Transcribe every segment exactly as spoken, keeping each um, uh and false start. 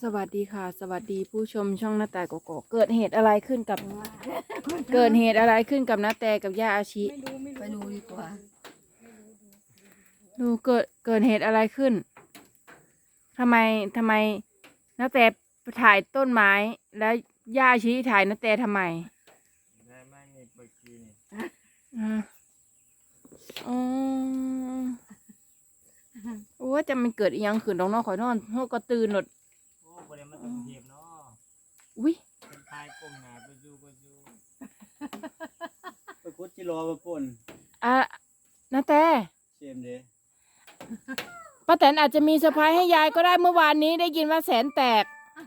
สวัสดีค่ะสวัสดีผู้ชมช่องหน้าแต่กกเกิดเหตุอะไรขึ้นกับเกิดเหตุอะไรขึ้นกับน้าแต่กับย่าอาชิไปดูดีกว่าดูเกิดเกิดเหตุอะไรขึ้นทำไมทำไมน้าแต่ถ่ายต้นไม้แล้วย่าอาชิถ่ายน้าแต่ทำไมได้ไม่มีเปิดกีนี่อ่าอ๋อโอ้จะมันเกิดอีหยังขึ้นน้องนอนข่อยนอนหัวก็ตื่นหนดโอ้ประเดี๋ยวมันต้องเทียบเนาะอุ้ยเป็นทายก้มหน้าไปดูไปดูไปคุดจิโร่ไปป่นอ่ะน้าแต่เชมเด้ป้าแตนอาจจะมีเซอร์ไพรส์ให้ยายก็ได้เมื่อวานนี้ได้ยินว่าแสนแตก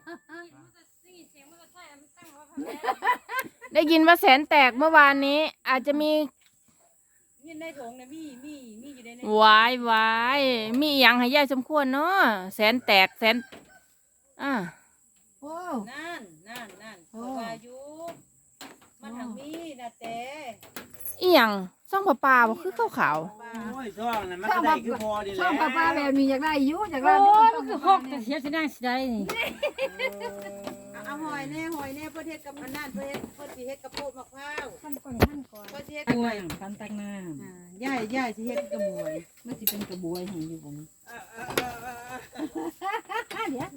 ได้ยินว่าแสนแตกเมื่อวานนี้อาจจะมีมีในถุงนะมีมีมีอยู่ในในวายวายมีอย่างให้ยายสมควรเนาะแสนแตกแสนอ่าโอ้นั่นนั่นนั่นเพราะว่าอยู่มันทางมีนะแต่อีหยังซ่องปลาปลาบ่คือขาวโอ้ยช่องนั้นมันก็ได้คือพอดีแหละช่องปลาปลาแบบมีอยากได้อยู่อยากได้โอ้ยมันคือหกแต่เสียสิได้สิได้นี่เอาหอยแน่หอยแน่เพื่อเทศกับมันนั่นเพื่อเทศเพื่อสิเฮ็ดกระโปงมะพร้าวขั้นก่อนขั้นก่อนเพื่อสิเฮ็ดตักน้ำขั้นตักน้ำย่ายย่ายสิเฮ็ดกระบวยมันสิเป็นกระบวยของอยู่ผมเดี๋ยว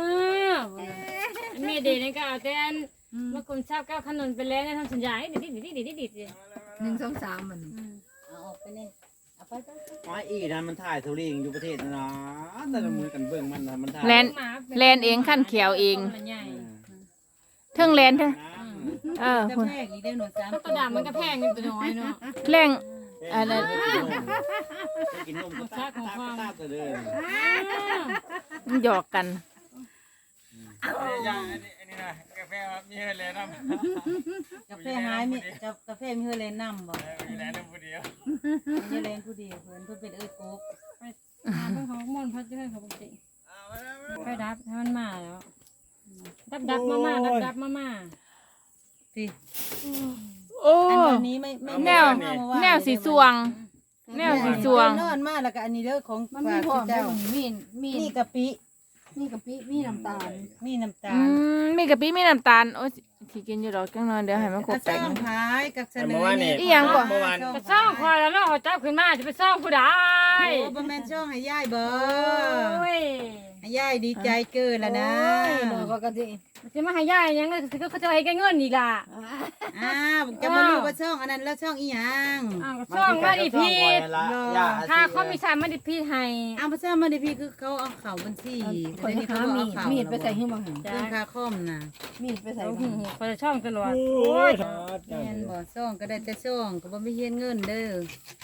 แม่เด็กนี่ก็เอาแต่เมื่อกลุ่มชาวก้าวขนนไปแล้วนะทำสัญญาดิดิดิดิดิดิดิหนึ่งสองสามมันเอาออกไปเลยเอาไปไปอ๋ออีนั้นมันถ่ายทุเรียนอยู่ประเทศนะเนาะแต่ละมือกันเบิ่งมันนะมันถ่ายแลนแลนเองขั้นเขียวเองเทิงแลนเทิงเออจะแพงอีกได้หน่อยสามตัวดำมันก็แพงนิดหน่อยเนาะแรงอะไรกินนมก็ตาตาตาตัวเดิมหยอกกันย่างอันนี้อันนี้นะกาแฟมีเฮเลนน้ำกาแฟหายมีกาแฟมีเฮเลนน้ำบ่มีแลนผู้เดียวมีเฮเลนผู้เดียวเพื่อนเพื่อนเป็นเอ้ยโก๊กไปเพื่อนเขาม่วนพัดจะให้เขาปกติไปดับให้มันมาแล้วดับดับมามาดับดับมามาสิโอ้อันนี้ไม่ไม่แนวแนวสีสวงแนวสีสวงนอนมาแล้วก็อันนี้เด้อของมันมีพร้อมเจ้ามีมีมีกะปิมีกะปิมีน้ำตาลมีน้ำตาลมีกะปิมีน้ำตาลโอ้ยที่กินอยู่ดอกจังนอนเดี๋ยวให้มันครบแตกมันขายกับเสนอนี่อีหยังก่อนจะซ่องคอยแล้วเนาะเขาจับขึ้นมาจะไปซ่องผู้ใดโอ้บ่แม่นช่องให้ยายเบิ่งโอ้ยให้ยายดีใจเกินแล้วนะโอ้ยบ่ก็สิสิมาให้ยายยังก็เขาจะให้แกเงินอีกล่ะอ้าวจะมารู้ว่าช่องอันนั้นแล้วช่องอีหยังอ้าวช่องมาดิพี่ถ้าเขามีสามมาดิพี่ให้อ้าวบ่ซ่ามาดิพี่คือเขาเอาเข้าบัญชีคนที่เขามีมีดไปใส่หิ้งบ่หั่นเรื่องค่าคอมน่ะมีดไปใส่หูเขาจะช่องตลอดโอ้ยแม่นบ่ช่องก็ได้แต่ช่องก็บ่มีเฮ็ดเงินเด้อ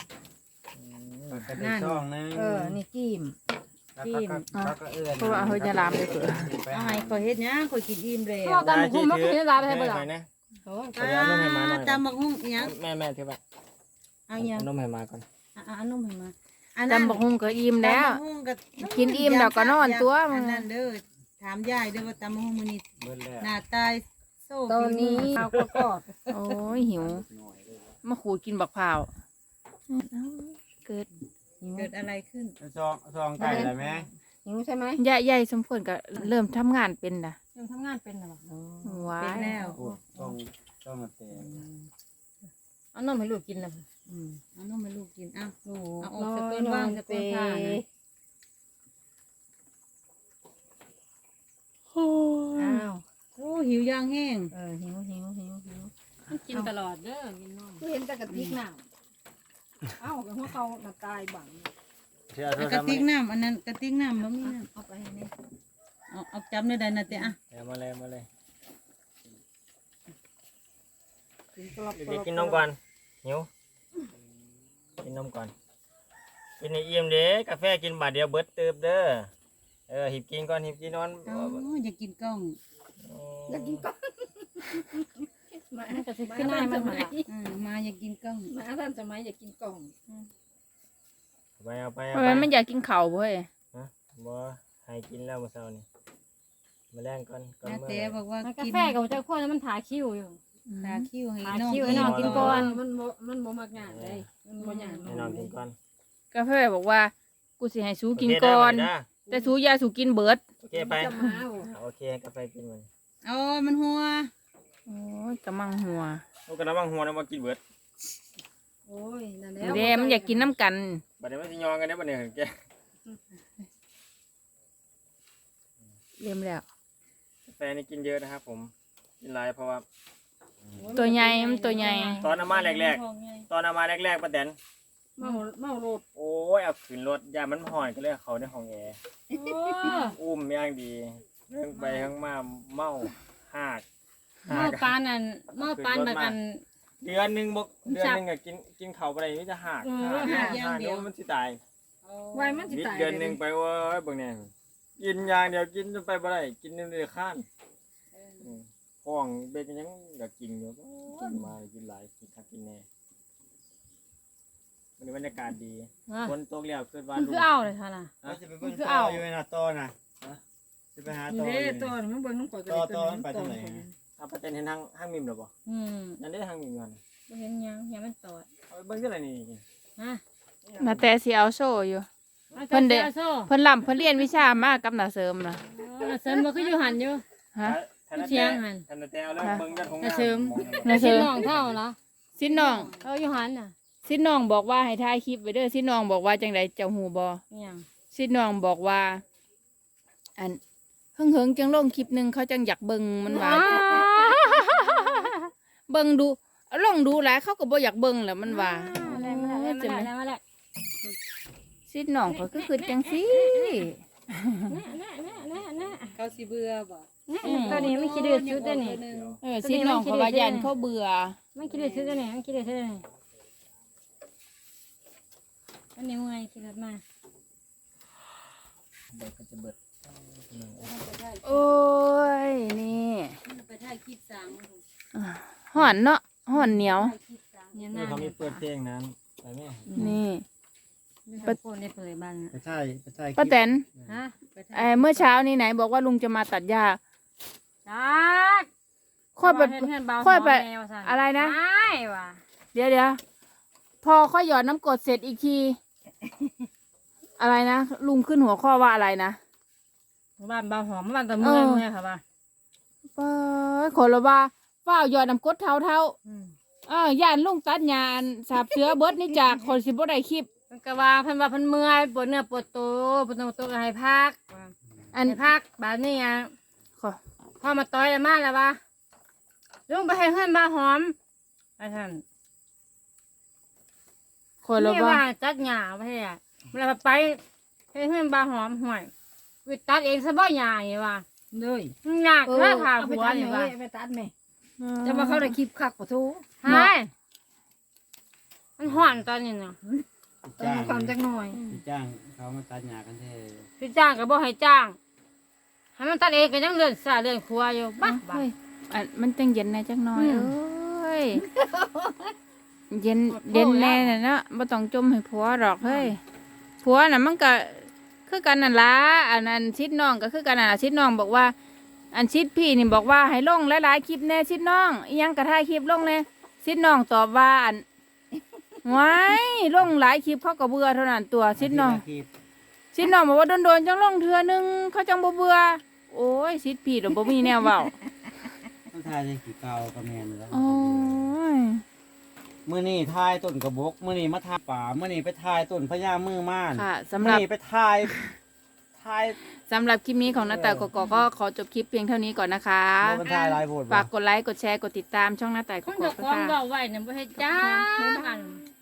นั่นช่องนึงเออนี่กิ้มกิ้มเพราะว่าเฮาจะลามไปเถอะเอาให้ข่อยเฮ็ดหยังข่อยกินอิ่มแล้วพ่อกันคุมมันคือลาไปให้บ่ล่ะโอ้ตำบักหุ่งอีหยังแม่แม่ถือไปเอาหยังนมให้มาก่อนอ่ะเอานมให้มาตำบักหุ่งก็อิ่มแล้วกินอิ่มแล้วก็นอนตัวมึงนั่นเด้อถามยายเด้อว่าตำบักหุ่งมื้อนี้หน้าตายโซ่ตอนนี้เอาก็กอดโอ้ยหิวมาขูดกินบักพร้าวเกิดเกิดอะไรขึ้นซองซองไก่อะไรไหมหิวใช่ไหมยายยายสมควรก็เริ่มทำงานเป็นนะเริ่มทำงานเป็นแล้วว้าเป็นแล้วซองซองมาเตะเอานมให้ลูกกินแล้วเอานมให้ลูกกินอ้าวเอาออกสะก้อนว่างสะก้อนผ้านะอ้าวโอ้หิวย่างแห้งเออหิวหิวหิวหิวกินตลอดเด้อกินนมเห็นแต่กระติกน้ำเอ้ากับหัวเขาหน้าตายบังกระติกน้ำอันนั้นกระติกน้ำมันมีน้ำเอาไปให้เนี่ยเอาเอาจำได้นะเจ๊อ่ะมาเลยมาเลยเด็กกินนมก่อนหิวกินนมก่อนกินในเอี่ยมเด้กาแฟกินบาทเดียวเบิดเติบเด้อเออหิบกินก่อนหิบกินนอนอ๋ออยากกินกล้องอยากกินกล้องมาจะซื้อขึ้นหน้ามันมามาอยากกินกล้องมาท่านสมัยอยากกินกล้องไปเอาไปทำไมไม่อยากกินเข่าเว้ยฮะบ่ให้กินแล้วเมื่อเช้านี่มาแรงก่อนก่อนเมื่อเต้บอกว่ากาแฟกับเจ้าข้าวมันถ่ายคิวอยู่ถ่ายคิวให้น้องให้น้องกินก่อนมันมันบ่มักงานเลยมันบ่หยาดให้น้องกินก่อนกาแฟบอกว่ากูสิให้ซูกินก่อนกแต่สูยาสูกินเบิดโอเคไปจะมาบ่เอาโอเคกาแฟกินมันเอามันหัวโอ้ยกำมังหัวลูกกระบังหัวนะมากินเบิดโอ้ยนั่นแหละเดมันอยากกินน้ำกันบัดนี้มันสิยองกันได้อบัดนี้แกเรียมแล้วกาแฟนี่กินเยอะนะครับผมกินหลายเพราะว่าตัวใหญ่มันตัวใหญ่ตอนเอามาแรกๆตอนเอามาแรกๆป้าแตนเมาเมาโลดโอ้ยเอาขึ้นรถยามันห่อนก็เลยเอาเขาในห้องแอร์โอ้อุ้มอย่างดีเรื่องไปข้างมาเมาหากหม้อปานอันหม้อปานแบบอันเดือนหนึ่งบกเดือนหนึ่งก็กินกินเขาไปนี่จะหักเออหักหักเดี๋ยวมันสิตายไว้มันสิวิดตายเดือนหนึ่งไปเว้ยเบางเนี่ยกินอย่างเดียวกินจนไปบ่ได้กินจนเดือดข้านมห้องเบกยังอยากกินอยู่กินมากินหลายกินคักกินแน่วันนี้บรรยากาศดีอ่ะฝนตกแล้วขึ้นว่ามันลูคืกอเอาเลยค่ะน่ะเราจะไปเบิ่งต่ออยู่ในน่ะต่อน่ะจะไปหาต่อเด้อยู่ตอนมันเบิ่งน้ำก่อยก็ต่อได้ต่อมันไปทางไหนเอาประเด็นเห็นทางห้างมิมหรอปะอืมนั่นได้ทางมิมกันบ่เห็นหยังยังมันตอดเอาไปเบิ่งที่ไหนนี่ฮะนาแต่สิเอาโซ่อยู่อาเพิ่นเด้อาโซ่เพิ่นลำเพิ่นเรียนวิชามากับนาเสริมนะเออเสริมบ่คืออยู่หันอยู่ฮะเชียงหั่นทันแต่เอาแล้วเบิ่งกันของนาเสริมนาเสริสิมน้องเท่าเหรอสิน้องเอออยู่หันน่ะสิน้องบอกว่าให้ถ่ายคลิปไว้เด้อสิน้องบอกว่าจังไดเจ้าหูบ่อิหยังสิน้องบอกว่า อันเฮิงเฮิงๆจังลงคลิปหนึงเขาจังอยากเบิ่งมันว่าเบิ่งดูเอาลองดูหลายเขาก็บ่อยากเบิ่งแหล้วมันว่ามาแล้วมาแล้วมาแล้วมาแล้วสิน้องก็คือคือจังซี่แน่แน่แน่แน่เขาสิเบื่อบ่แน่ตัวนี้มันคิดดื้อสุดตัวนี้เออสิน้องเขาว่ายันเขาเบื่อมันคิดดื้อสุดตัวนี้มันคิดดื้อสุดตัวนี้อันนี้ไงคิดแบบมาเบิดก็จะเบิดโอ้ยนี่ไปถ่ายคลิปสางอ่าห่อนเนาะห่อนเหนียวถ่ายคลิปสางเนี่ยนี่นะเขามีเปิดเพลงนั้นไปแม่นี่เปิดโฟนได้เปิดบ้านไปใช่ไปใช่ป้าแตนฮะไปถ่ายเอ่อเมื่อเช้านี้ไหนบอกว่าลุงจะมาตัดหญ้าจักค่อยไปเห็นเห็นเบาค่อยไปแมวสั่นอะไรนะไม่ว่ะเดี๋ยวเดี๋ยวพอค่อยหยอดน้ำกรดเสร็จอีกที อะไรนะลุงขึ้นหัวข้อว่าอะไรนะบ้านเบาหอมบ้านตะเมื่อยเออเมื่อยค่ะว่าเป้ยขอละว่าฝ้าวหยอดน้ำกรดเท่าเท่าอืมเออย่านลุงตัดหญ้าอันสาบเสือเบิดนี่จากคนสิบ่ได้คลิปเพิ่นก็ว่าเพิ่นว่าเพิ่นเมื่อยปวดเนื้อปวดตัวปวดตัวก็ให้พักว่าอันให้พักแบบนี้อ่ะขอพอมาต่อยแล้วมาแล้วว่าลุงไปให้เพื่อนบ้าหอมไปท่านขอละนี่ว่าว่าจัดหญ้าไปให้อ่ะเวลาไปให้เพื่อนบ้าหอมห่วยวิตัดเองซะบ่หญ้านี่ว่าเลยมันยากเพื่อถามเอาไปหัวตัดนี่แม่ว่าไปตัดแม่จะมาเข้าได้คลิปคักปะทูใช่มันห่อนตอนนี้เนาะต้องมาความจักหน่อยพี่จ้างเขามาตัดหญ้ากันแท้พี่จ้างก็บ่ให้จ้างให้มันตัดเองก็ยังเลื่อนสายเลื่อนครัวอยู่บ้าบ้าเฮ้ยอันมันจังเย็นแน่จักหน่อยอืมเอ้ยเย็นเย็นแน่น่ะเนาะบ่ต้องจมให้ผัวหรอกเฮ้ยผัวน่ะมันก็คือกันนั่นล่ะอันนั้นชิดน้องก็คือกันนั่นล่ะชิดน้องบอกว่า อันชิดพี่นี่บอกว่าให้ลงหลายๆคลิปแน่ชิดน้องอีหยังก็ถ่ายคลิปลงแน่ชิดน้องตอบว่าอันไว้ลงหลายคลิปเขาก็เบื่อเท่านั้นตัวชิดน้อง ชิดน้องบอกว่าโดนๆจังลงเทื่อนึงเขาจังบ่เบื่อโอ้ยชิดพี่ดอกบ่มีแนวเว้าต้องทายในกี่เก่าก็แม่นแล้วโอ้ยมื้อนี้ทายต้นกระบอกมื้อนี้มาทายป่ามื้อนี้ไปทายต้นพญามือม่านค่ะสำหมื้อรับนี้ไปทายทายสำหรับคลิปนี้ของนาตายกกอกก็ขอจบคลิปเพียงเท่านี้ก่อนนะคะบ่มันทายหลายโพดบ่ฝากกดไลค์ กดแชร์ กดติดตามช่องนาตายกคนกอเจะกควาค่ะมเบาไว้เนี่ยบ่ให้จ้างอัน